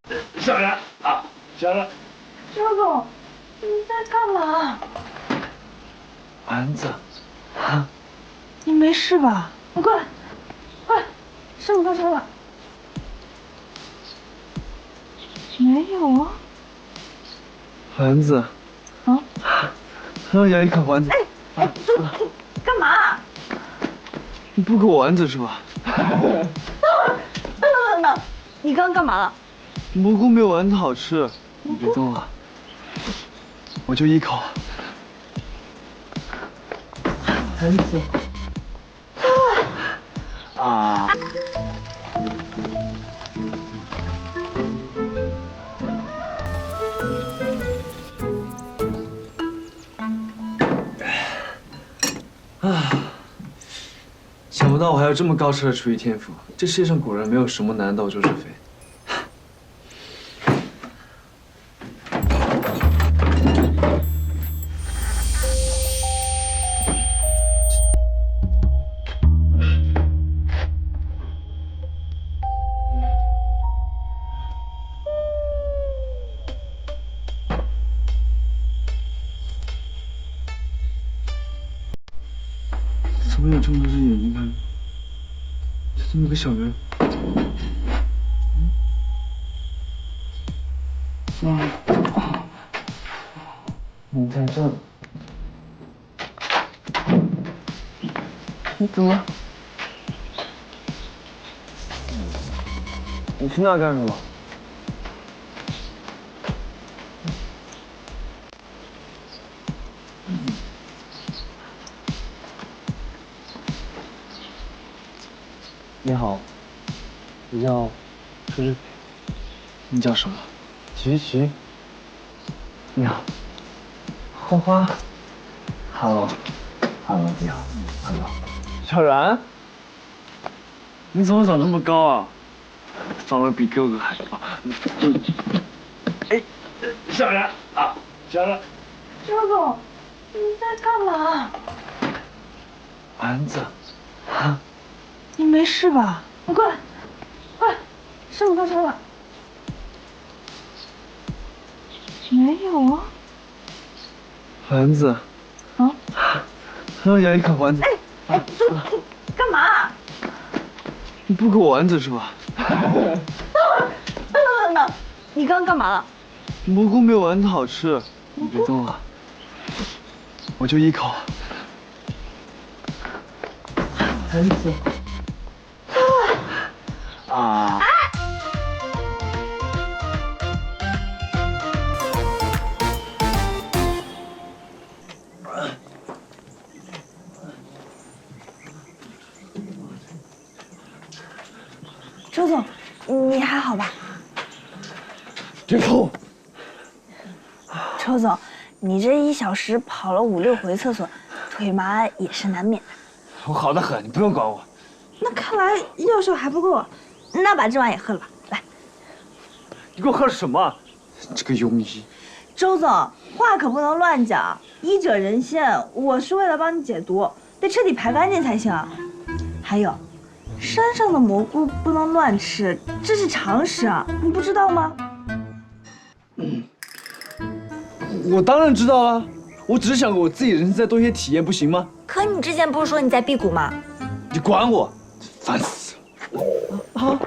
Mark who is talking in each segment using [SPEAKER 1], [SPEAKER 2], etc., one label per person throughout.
[SPEAKER 1] 小然啊，小然，
[SPEAKER 2] 周总，你在干嘛？
[SPEAKER 1] 丸子，啊，
[SPEAKER 2] 你没事吧？你过来，过来，师傅到车了。没有啊。
[SPEAKER 1] 丸子，
[SPEAKER 2] 啊？
[SPEAKER 1] 让牙医看丸子。
[SPEAKER 2] 哎，周总，干嘛？
[SPEAKER 1] 你不给我丸子是吧？
[SPEAKER 2] 等，你刚刚干嘛了？
[SPEAKER 1] 蘑菇没有丸子好吃，你别动了，我就一口。丸子，啊。想不到我还有这么高超的厨艺天赋，这世界上果然没有什么难到就是非。怎么有这么多只眼睛看着？就这么个小人。你在这？你怎么？你去那干什么？你好，我叫周志培。你叫什么？徐。你好。花花。Hello，你好。Hello。小然，你怎么长这么高啊？长得比哥哥还高。哎，小然啊，小然。
[SPEAKER 2] 周总，你在干嘛？
[SPEAKER 1] 丸子，啊，
[SPEAKER 2] 你没事吧？你过来，过来，师傅到车了。没有啊。
[SPEAKER 1] 丸子，
[SPEAKER 2] 啊？
[SPEAKER 1] 让牙医看丸子。
[SPEAKER 2] 哎，周总，干嘛？
[SPEAKER 1] 你不给我丸子是吧？
[SPEAKER 2] 等，你刚刚干嘛了？
[SPEAKER 1] 蘑菇没有丸子好吃，你别动了，我就一口。丸子，啊。
[SPEAKER 2] 周总，你还好吧？
[SPEAKER 1] 别碰！
[SPEAKER 2] 周总，你这1小时跑了5、6回厕所，腿麻也是难免的。
[SPEAKER 1] 我好得很，你不用管我。
[SPEAKER 2] 那看来药效还不够啊，那把这碗也喝了吧。来，
[SPEAKER 1] 你给我喝什么？这个庸医！
[SPEAKER 2] 周总，话可不能乱讲，医者仁心，我是为了帮你解毒，得彻底排干净才行。还有，山上的蘑菇不能乱吃，这是常识啊，你不知道吗？
[SPEAKER 1] 我当然知道了，我只是想给我自己人生再多一些体验，不行吗？
[SPEAKER 2] 可你之前不是说你在辟谷吗？
[SPEAKER 1] 你管我，烦死了！啊！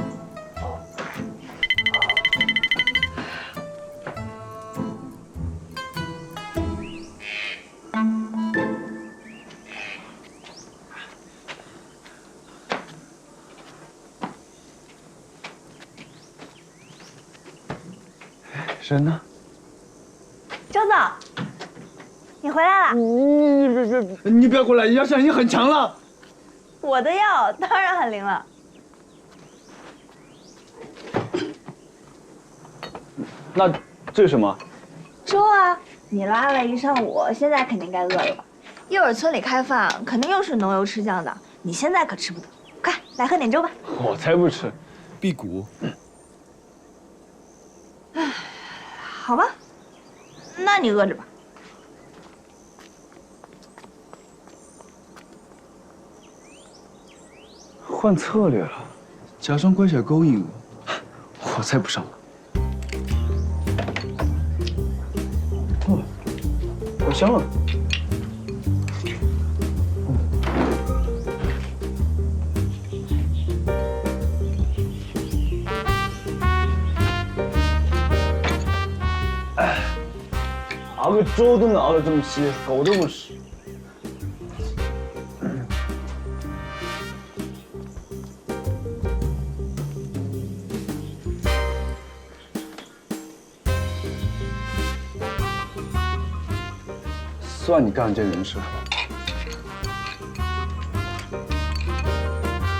[SPEAKER 1] 人呢？
[SPEAKER 2] 周总，你回来了。
[SPEAKER 1] 你不要过来，药效已经很强了。
[SPEAKER 2] 我的药当然很灵了。
[SPEAKER 1] 那这是什么？
[SPEAKER 2] 粥啊，你拉了一上午，现在肯定该饿了吧？一会儿村里开饭，肯定又是浓油赤酱的，你现在可吃不得。快来喝点粥吧。
[SPEAKER 1] 我才不吃，辟谷。
[SPEAKER 2] 好吧，那你饿着吧。
[SPEAKER 1] 换策略了，假装乖巧勾引我，我才不上当。 香啊！熬个粥都能熬得这么稀，狗都不吃。算你干这人事。